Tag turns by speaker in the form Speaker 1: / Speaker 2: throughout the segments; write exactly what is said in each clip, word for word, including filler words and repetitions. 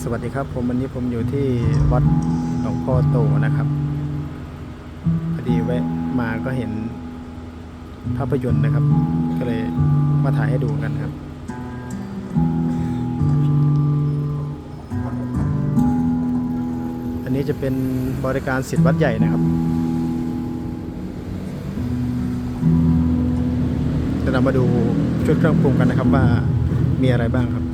Speaker 1: สวัสดีครับผมวันนี้ผมอยู่ที่วัดหลวงพ่อโตนะครับพอดีแวะมาก็เห็นภาพยนตร์นะครับ ก็เลยมาถ่ายให้ดูกันครับอันนี้จะเป็นบริการศิษย์วัดใหญ่นะครับเดี๋ยวเรามาดูชุดเครื่องปรุงกันนะครับว่ามีอะไรบ้างครับ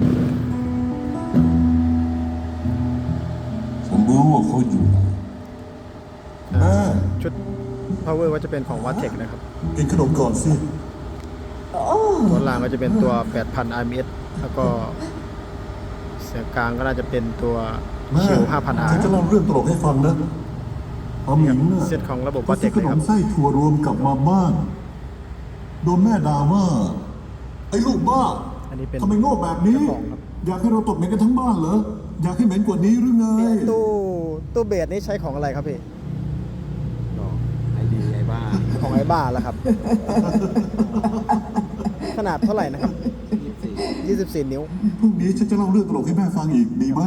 Speaker 2: ผมรู้ว่าเขาอยู่ไหนแม่
Speaker 1: ชุด power ว่าจะเป็นของวัดเทคนะครับ
Speaker 2: กินขนมก่อนสิ
Speaker 1: ตัวล่างก็จะเป็นตัว แปดพัน อาร์ เอ็ม เอส แล้วก็เสียงกลางก็น่าจะเป็นตัว
Speaker 2: แม่
Speaker 1: ชิว ห้าพัน อาร์
Speaker 2: ฉันจะเล่าเรื่องตลกให้ฟังนะอาหมิงน่ะ
Speaker 1: เซตของระบบ
Speaker 2: ก็
Speaker 1: วัดเท
Speaker 2: ซื้อ
Speaker 1: ค
Speaker 2: ข
Speaker 1: เลย
Speaker 2: น
Speaker 1: ครั
Speaker 2: ม
Speaker 1: บ
Speaker 2: ไส้ถั่วรวมกลับมาบ้านโดนแม่ด่าว่าไอ้ลูกบ้า
Speaker 1: อันนี้เป็น
Speaker 2: ทำไมโง่แบบนี้
Speaker 1: เจ้าของครับ
Speaker 2: อยากให้เราตดเหม็นกันทั้งบ้านเหรออยากให้เหม็นกว่านี้หรือไง
Speaker 1: ตู้ตู้เบสนี่ใช้ของอะไรครับพี่
Speaker 3: ไอดีไอบ้า
Speaker 1: ของไอ้บ้าแล้วครับ ขนาดเท่าไหร่นะครับ
Speaker 3: ยี่สิบสี่
Speaker 1: ยี่สิบสี่ นิ้ว
Speaker 2: พรุ่งนี้ฉันจะเล่าเรื่องตลกให้แม่ฟังอีกดีไหม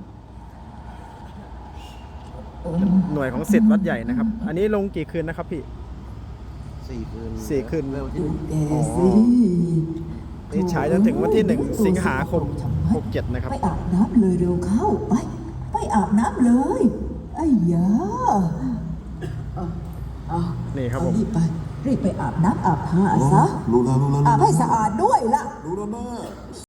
Speaker 1: หน่วยของศิษย์วัดใหญ่นะครับ อันนี้ลงกี่คืนนะครับพี่
Speaker 3: สี่คืน
Speaker 1: สี่คืน
Speaker 3: เร็วที่
Speaker 4: ดูแกสิ
Speaker 1: นี่ฉายจนถึงวันที่หนึ่งสิงหาคมหกเจ็ดนะครับ
Speaker 4: ไปอาบน้ำเลยเร็วเข้าไป ไปอาบน้ำเลยไอ้ยาเอาเอา
Speaker 1: นี่ครับ
Speaker 4: เอา
Speaker 1: ผม
Speaker 4: รีบไป รีบไปอาบน้ำอาบท่า
Speaker 2: อ๋อ
Speaker 4: ซะ
Speaker 2: รู้แล้วรู้แล้ว
Speaker 4: อา
Speaker 2: รู้
Speaker 4: บ
Speaker 2: แล้
Speaker 4: ให้
Speaker 2: ว
Speaker 4: สะอาดด้วยล่ะ
Speaker 2: รู้แล้วแม่